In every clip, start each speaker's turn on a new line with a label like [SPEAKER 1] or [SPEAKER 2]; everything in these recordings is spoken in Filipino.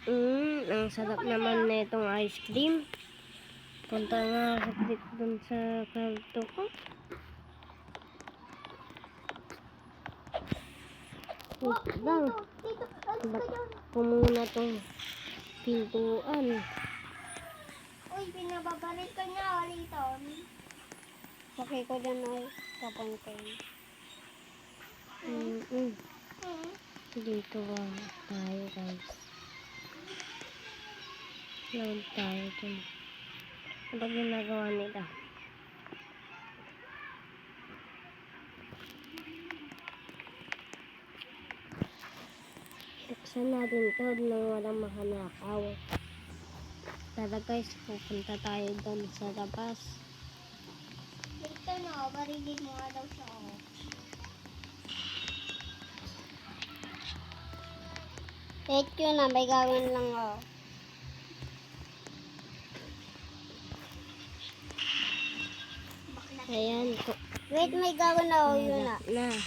[SPEAKER 1] Ang sarap naman na itong ice cream. Punta nga saglit dun sa karto ko. Wait lang. Bakit po muna itong pintuan?
[SPEAKER 2] Uy, pinababalik ka niya ulit. Okay ko dyan ay kapuntin.
[SPEAKER 1] Dito tayo guys. Load tayo dun. Ano ginagawa nila? Buksan natin ito nang walang makanakaw. Tara guys, pupunta tayo doon sa labas.
[SPEAKER 2] Dito na, barilin mo nga daw siya. Wait yun na, may gawin lang ako.
[SPEAKER 1] Ayan.
[SPEAKER 2] Wait, may gawin ako yun na.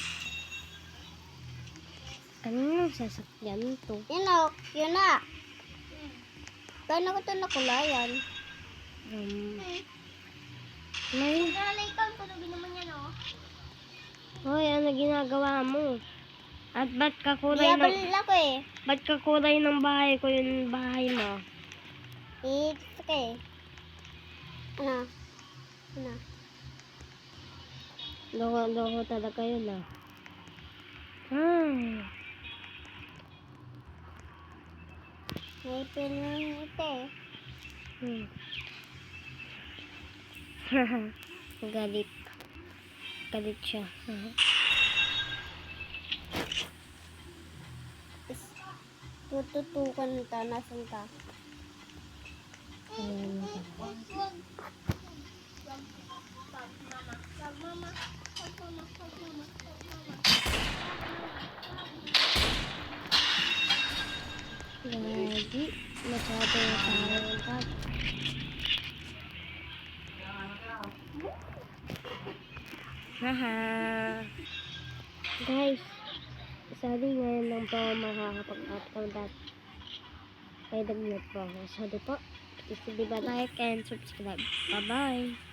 [SPEAKER 1] Ano yung sasakyan to?
[SPEAKER 2] Yun na, yun na. Gano'n ko ito nakulayan.
[SPEAKER 1] May...
[SPEAKER 2] Nalaikan ko, nabin naman yan, oh.
[SPEAKER 1] Hoy, ano ginagawa mo? At ba't kakulay
[SPEAKER 2] Diyabalil ako eh.
[SPEAKER 1] Ba't kakulay ng bahay ko yung bahay mo?
[SPEAKER 2] It's okay. Ano? Ano?
[SPEAKER 1] Loko talaga yun ah.
[SPEAKER 2] May pinang ito eh.
[SPEAKER 1] Galit. Galit siya.
[SPEAKER 2] Tututukan ka, nasan ka?
[SPEAKER 1] Lagi. Masyado yung tawag. Haha. Guys, sorry ngayon lang po makakapag-upload at may dagnat po ako. Sorry po. Please be like and subscribe. Bye-bye.